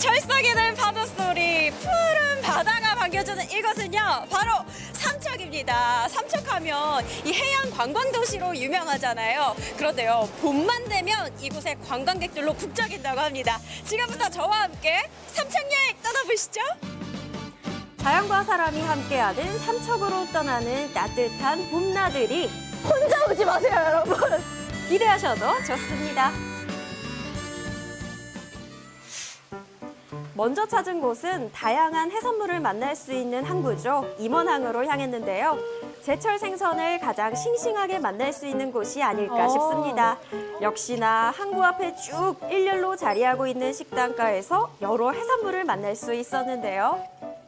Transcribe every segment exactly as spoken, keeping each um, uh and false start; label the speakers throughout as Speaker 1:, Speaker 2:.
Speaker 1: 철썩이는 파도 소리, 푸른 바다가 반겨주는 이곳은요, 바로 삼척입니다. 삼척하면 이 해양 관광 도시로 유명하잖아요. 그런데요, 봄만 되면 이곳에 관광객들로 북적인다고 합니다. 지금부터 저와 함께 삼척 여행 떠나보시죠. 자연과 사람이 함께하는 삼척으로 떠나는 따뜻한 봄나들이 혼자 오지 마세요, 여러분. 기대하셔도 좋습니다. 먼저 찾은 곳은 다양한 해산물을 만날 수 있는 항구죠. 임원항으로 향했는데요. 제철 생선을 가장 싱싱하게 만날 수 있는 곳이 아닐까 싶습니다. 역시나 항구 앞에 쭉 일렬로 자리하고 있는 식당가에서 여러 해산물을 만날 수 있었는데요.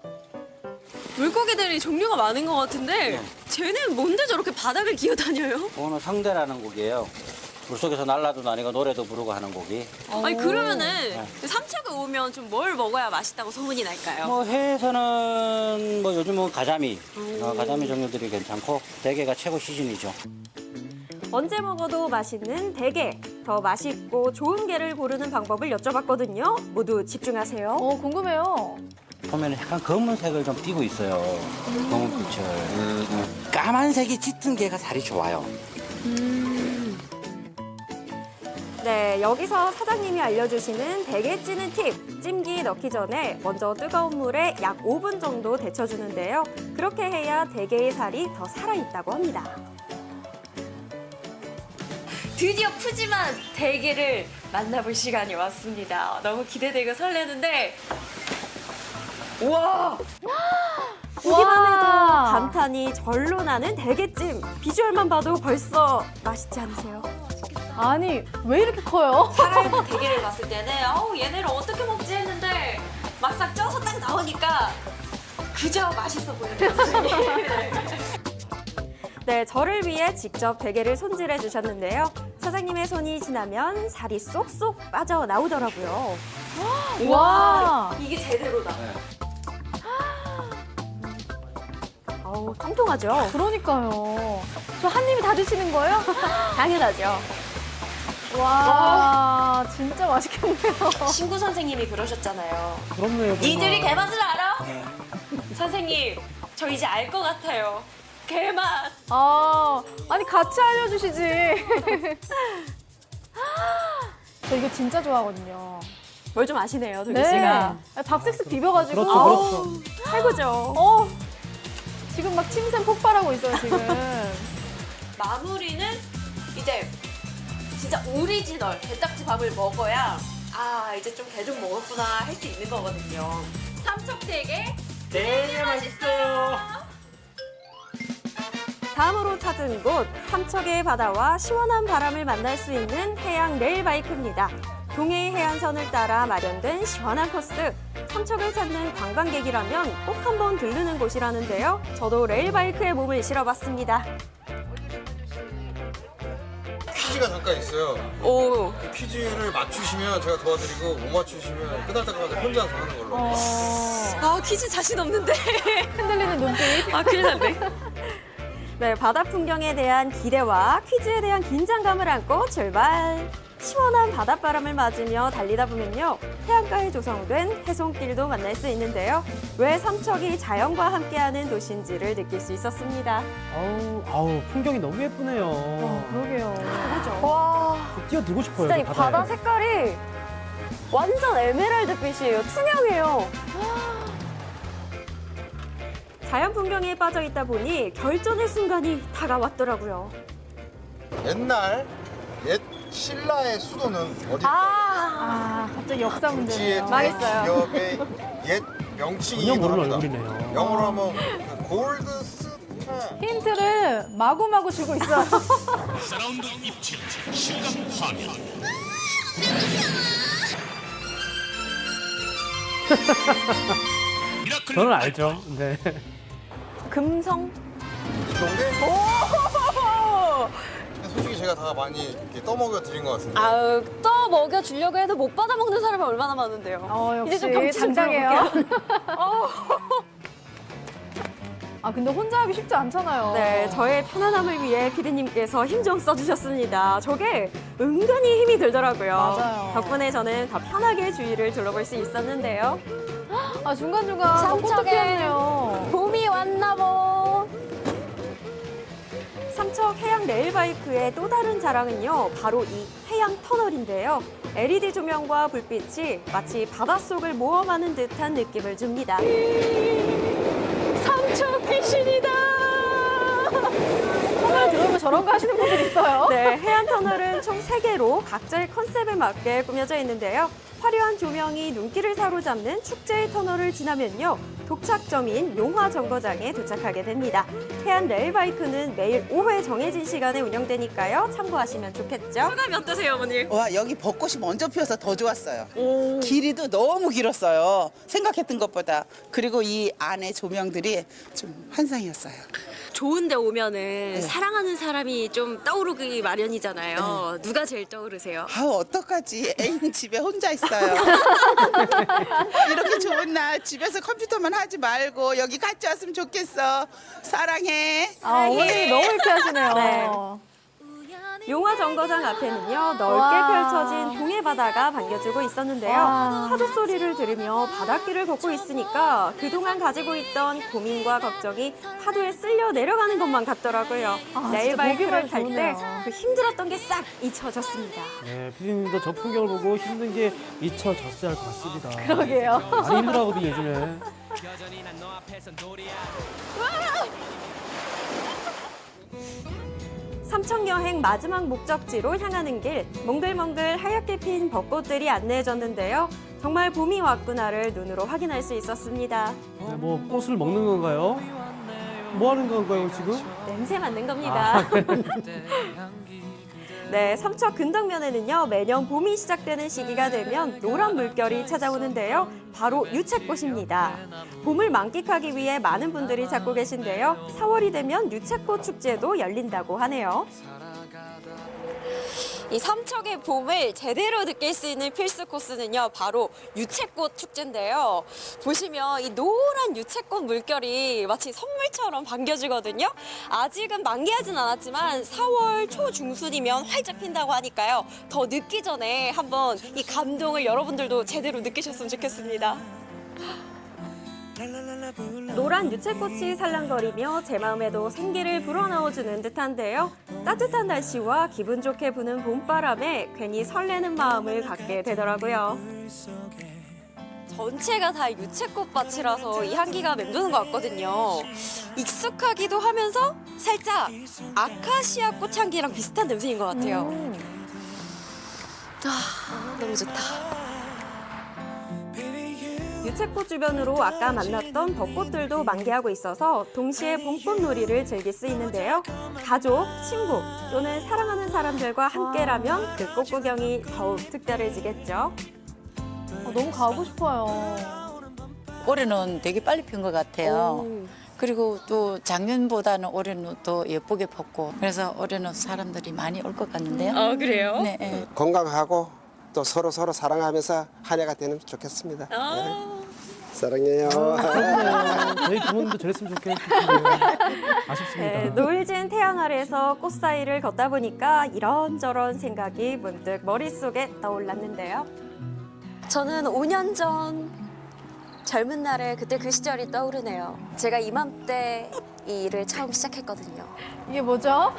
Speaker 1: 물고기들이 종류가 많은 것 같은데 쟤는 뭔데 저렇게 바닥을 기어다녀요?
Speaker 2: 오늘 성대라는 곡이에요. 물속에서 날라도 다니고 노래도 부르고 하는 곡이.
Speaker 1: 아니 그러면은 삼척에 오면 좀 뭘 먹어야 맛있다고 소문이 날까요?
Speaker 2: 뭐 해에서는 뭐 요즘은 가자미, 어, 가자미 종류들이 괜찮고 대게가 최고 시즌이죠.
Speaker 1: 언제 먹어도 맛있는 대게. 더 맛있고 좋은 게를 고르는 방법을 여쭤봤거든요. 모두 집중하세요.
Speaker 3: 어, 궁금해요.
Speaker 2: 보면 약간 검은색을 좀 띠고 있어요. 검은빛을. 음. 까만색이 짙은 게가 살이 좋아요.
Speaker 1: 네, 여기서 사장님이 알려주시는 대게 찌는 팁. 찜기 넣기 전에 먼저 뜨거운 물에 약 오 분 정도 데쳐주는데요. 그렇게 해야 대게의 살이 더 살아있다고 합니다. 드디어 푸짐한 대게를 만나볼 시간이 왔습니다. 너무 기대되고 설레는데 우와! 보기만 해도
Speaker 3: 와.
Speaker 1: 감탄이 절로 나는 대게찜. 비주얼만 봐도 벌써 맛있지 않으세요?
Speaker 3: 아니, 왜 이렇게 커요?
Speaker 1: 살아있는 대게를 봤을 때는 어우 얘네를 어떻게 먹지 했는데 막상 쪄서 딱 나오니까 그저 맛있어 보이네요. 네, 저를 위해 직접 대게를 손질해 주셨는데요. 사장님의 손이 지나면 살이 쏙쏙 빠져나오더라고요.
Speaker 3: 와.
Speaker 1: 이게 제대로다.
Speaker 2: 네.
Speaker 1: 어우, 통통하죠?
Speaker 3: 그러니까요. 저 한 입이 다 드시는 거예요?
Speaker 1: 당연하죠.
Speaker 3: 와, 진짜 맛있겠네요.
Speaker 1: 신구 선생님이 그러셨잖아요.
Speaker 4: 그렇네요.
Speaker 1: 니들이 개맛을 알아? 선생님, 저 이제 알 것 같아요. 개맛.
Speaker 3: 아, 아니 같이 알려주시지. 저 이거 진짜 좋아하거든요.
Speaker 1: 뭘 좀 아시네요, 도기
Speaker 3: 네.
Speaker 1: 씨가.
Speaker 3: 밥 쓱쓱 비벼가지고.
Speaker 4: 그렇죠,
Speaker 3: 아우,
Speaker 4: 그렇죠.
Speaker 1: 최고죠.
Speaker 3: 어, 지금 막 침샘 폭발하고 있어요, 지금.
Speaker 1: 마무리는 이제 진짜 오리지널 게딱지 밥을 먹어야 아 이제 좀 게 좀 먹었구나 할 수 있는 거거든요. 삼척대게 되게 맛있어요. 다음으로 찾은 곳 삼척의 바다와 시원한 바람을 만날 수 있는 해양 레일바이크입니다. 동해 해안선을 따라 마련된 시원한 코스. 삼척을 찾는 관광객이라면 꼭 한번 들르는 곳이라는데요. 저도 레일바이크에 몸을 실어봤습니다.
Speaker 5: 퀴즈가 잠깐 있어요.
Speaker 1: 오,
Speaker 5: 그 퀴즈를 맞추시면 제가 도와드리고 못 맞추시면 끝날 때까지 혼자서 하는 걸로.
Speaker 3: 어,
Speaker 1: 아 퀴즈 자신 없는데.
Speaker 3: 흔들리는 눈빛.
Speaker 1: 아 큰일 났네. 네, 바다 풍경에 대한 기대와 퀴즈에 대한 긴장감을 안고 출발. 시원한 바닷바람을 맞으며 달리다 보면요. 해안가에 조성된 해송길도 만날 수 있는데요. 왜 삼척이 자연과 함께하는 도시인지를 느낄 수 있었습니다.
Speaker 4: 아우, 아우, 풍경이 너무 예쁘네요.
Speaker 3: 어, 그러게요.
Speaker 1: 그죠?
Speaker 3: 와,
Speaker 4: 뛰어들고 싶어요.
Speaker 1: 진짜 이
Speaker 4: 그
Speaker 1: 바다
Speaker 4: 바다에.
Speaker 1: 색깔이 완전 에메랄드빛이에요. 투명해요. 자연 풍경에 빠져 있다 보니 결전의 순간이 다가왔더라고요.
Speaker 5: 옛날 옛 신라의 수도는 어디?
Speaker 3: 아, 갑자기 역사
Speaker 5: 부지의
Speaker 3: 문제네요.
Speaker 1: 망했어요.
Speaker 5: 기업의 옛 명칭이기도
Speaker 4: 전혀 모르는
Speaker 5: 합니다.
Speaker 4: 얼굴이네요.
Speaker 5: 영어로 하면 그 골드스타.
Speaker 3: 힌트를 마구마구 주고 있어요.
Speaker 6: 사라운드 입체 실감 화면 미라클
Speaker 4: 저는 알죠. 네.
Speaker 1: 금성.
Speaker 5: 이동대.
Speaker 1: 오!
Speaker 5: 근데 솔직히 제가 다 많이 이렇게 떠먹여 드린 것 같은데.
Speaker 1: 아유, 떠 먹여 주려고 해도 못 받아 먹는 사람이 얼마나 많은데요.
Speaker 3: 어,
Speaker 1: 이제 좀
Speaker 3: 역시
Speaker 1: 경치 좀
Speaker 3: 당당해요.
Speaker 1: 들어볼게요. 어.
Speaker 3: 아 근데 혼자 하기 쉽지 않잖아요.
Speaker 1: 네, 저의 편안함을 위해 피디님께서 힘 좀 써주셨습니다. 저게 은근히 힘이 들더라고요.
Speaker 3: 맞아요.
Speaker 1: 덕분에 저는 더 편하게 주위를 둘러볼 수 있었는데요.
Speaker 3: 아 중간중간 꽃도
Speaker 1: 삼척에
Speaker 3: 피었네요.
Speaker 1: 봄이 왔나 보. 삼척 해양 레일바이크의 또 다른 자랑은요, 바로 이 해양 터널인데요. 엘이디 조명과 불빛이 마치 바닷속을 모험하는 듯한 느낌을 줍니다. 삼척 귀신이다!
Speaker 3: 터널 들어오면 저런 거 하시는 분들 있어요.
Speaker 1: 네, 해안 터널은 총 세 개로 각자의 컨셉에 맞게 꾸며져 있는데요. 화려한 조명이 눈길을 사로잡는 축제의 터널을 지나면요, 도착점인 용화 정거장에 도착하게 됩니다. 해안 레일바이크는 매일 오후에 정해진 시간에 운영되니까요. 참고하시면 좋겠죠? 소감이 어떠세요, 어머니?
Speaker 7: 와, 여기 벚꽃이 먼저 피어서 더 좋았어요. 길이도 너무 길었어요. 생각했던 것보다. 그리고 이 안에 조명들이 좀 환상이었어요.
Speaker 1: 좋은데 오면은 사랑하는 사람이 좀 떠오르기 마련이잖아요. 누가 제일 떠오르세요?
Speaker 7: 아우, 어떡하지? 애인 집에 혼자 있어요. 이렇게 좋은 날 집에서 컴퓨터만 하지 말고 여기 같이 왔으면 좋겠어. 사랑해.
Speaker 3: 아 어머니 너무 이렇게 하시네요.
Speaker 1: 네. 용화 정거장 앞에는요, 넓게
Speaker 3: 와.
Speaker 1: 펼쳐진 동해 바다가 반겨주고 있었는데요.
Speaker 3: 와.
Speaker 1: 파도 소리를 들으며 바닷길을 걷고 있으니까 그동안 가지고 있던 고민과 걱정이 파도에 쓸려 내려가는 것만 같더라고요.
Speaker 3: 아,
Speaker 1: 레일
Speaker 3: 진짜
Speaker 1: 바이크를
Speaker 3: 보기만
Speaker 1: 탈 때
Speaker 3: 좋네요.
Speaker 1: 그 힘들었던 게 싹 잊혀졌습니다.
Speaker 4: 네, 피디님도 저 풍경을 보고 힘든 게 잊혀졌어야 할 것 같습니다.
Speaker 3: 그러게요.
Speaker 4: 많이 힘들어하거든요, 요즘에.
Speaker 1: 삼척 여행 마지막 목적지로 향하는 길, 몽글몽글 하얗게 핀 벚꽃들이 안내해줬는데요. 정말 봄이 왔구나를 눈으로 확인할 수 있었습니다.
Speaker 4: 네, 뭐 꽃을 먹는 건가요? 뭐 하는 건가요, 지금?
Speaker 1: 냄새 맡는 겁니다. 네, 삼척 근덕면에는요, 매년 봄이 시작되는 시기가 되면 노란 물결이 찾아오는데요. 바로 유채꽃입니다. 봄을 만끽하기 위해 많은 분들이 찾고 계신데요. 사월이 되면 유채꽃 축제도 열린다고 하네요. 이 삼척의 봄을 제대로 느낄 수 있는 필수 코스는요, 바로 유채꽃 축제인데요. 보시면 이 노란 유채꽃 물결이 마치 선물처럼 반겨지거든요. 아직은 만개하진 않았지만 사월 초 중순이면 활짝 핀다고 하니까요. 더 늦기 전에 한번 이 감동을 여러분들도 제대로 느끼셨으면 좋겠습니다. 노란 유채꽃이 살랑거리며 제 마음에도 생기를 불어넣어주는 듯한데요. 따뜻한 날씨와 기분 좋게 부는 봄바람에 괜히 설레는 마음을 갖게 되더라고요. 전체가 다 유채꽃밭이라서 이 향기가 맴도는 것 같거든요. 익숙하기도 하면서 살짝 아카시아 꽃향기랑 비슷한 냄새인 것 같아요. 아, 너무 좋다. 유채꽃 주변으로 아까 만났던 벚꽃들도 만개하고 있어서 동시에 봄꽃놀이를 즐길 수 있는데요. 가족, 친구 또는 사랑하는 사람들과 함께라면 그 꽃 구경이 더욱 특별해지겠죠.
Speaker 3: 아, 너무 가고 싶어요.
Speaker 8: 올해는 되게 빨리 핀 것 같아요.
Speaker 1: 오.
Speaker 8: 그리고 또 작년보다는 올해는 더 예쁘게 폈고 그래서 올해는 사람들이 많이 올 것 같는데요.
Speaker 1: 아, 그래요?
Speaker 8: 네, 네.
Speaker 9: 건강하고 또 서로 서로 사랑하면서 한 해가 되면 좋겠습니다.
Speaker 1: 아.
Speaker 9: 네. 사랑해요.
Speaker 4: 네, 저희 부모님도 저랬으면 좋겠는데 아쉽습니다.
Speaker 1: 네, 노을진 태양 아래에서 꽃 사이를 걷다 보니까 이런저런 생각이 문득 머릿속에 떠올랐는데요. 저는 오 년 전 젊은 날에 그때 그 시절이 떠오르네요. 제가 이맘때 이 일을 처음 시작했거든요.
Speaker 3: 이게 뭐죠?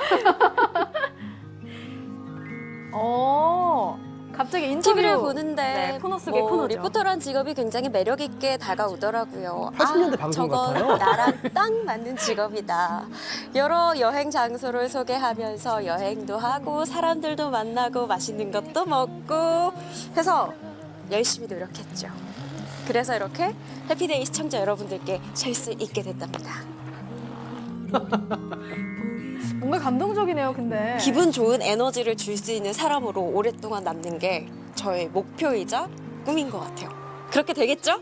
Speaker 3: 어, 갑자기 인터뷰.
Speaker 1: 티비를 보는데
Speaker 3: 네, 코너 속의
Speaker 1: 뭐
Speaker 3: 코너죠.
Speaker 1: 리포터란 직업이 굉장히 매력 있게 다가오더라고요.
Speaker 4: 팔십 년대
Speaker 1: 아,
Speaker 4: 방송
Speaker 1: 저건
Speaker 4: 같아요.
Speaker 1: 나랑 딱 맞는 직업이다. 여러 여행 장소를 소개하면서 여행도 하고 사람들도 만나고 맛있는 것도 먹고 해서 열심히 노력했죠. 그래서 이렇게 해피데이 시청자 여러분들께 쉴 수 있게 됐답니다.
Speaker 3: 뭔가 감동적이네요, 근데.
Speaker 1: 기분 좋은 에너지를 줄 수 있는 사람으로 오랫동안 남는 게 저의 목표이자 꿈인 것 같아요. 그렇게 되겠죠?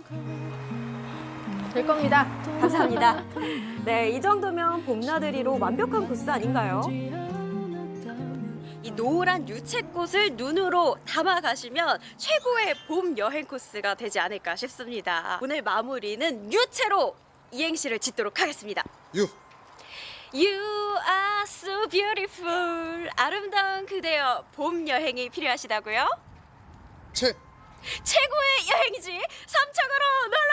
Speaker 3: 될 겁니다.
Speaker 1: 감사합니다. 네, 이 정도면 봄나들이로 완벽한 코스 아닌가요? 이 노란 유채꽃을 눈으로 담아가시면 최고의 봄 여행 코스가 되지 않을까 싶습니다. 오늘 마무리는 유채로 이행시를 짓도록 하겠습니다.
Speaker 5: 유.
Speaker 1: You are so beautiful. 아름다운 그대여. 봄 여행이 필요하시다고요?
Speaker 5: 채.
Speaker 1: 최고의 여행지 삼척으로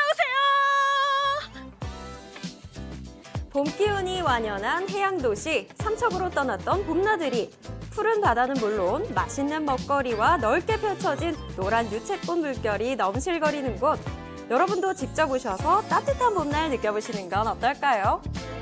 Speaker 1: 놀러 오세요. 봄 기운이 완연한 해양도시 삼척으로 떠났던 봄나들이. 푸른 바다는 물론 맛있는 먹거리와 넓게 펼쳐진 노란 유채꽃 물결이 넘실거리는 곳. 여러분도 직접 오셔서 따뜻한 봄날 느껴보시는 건 어떨까요?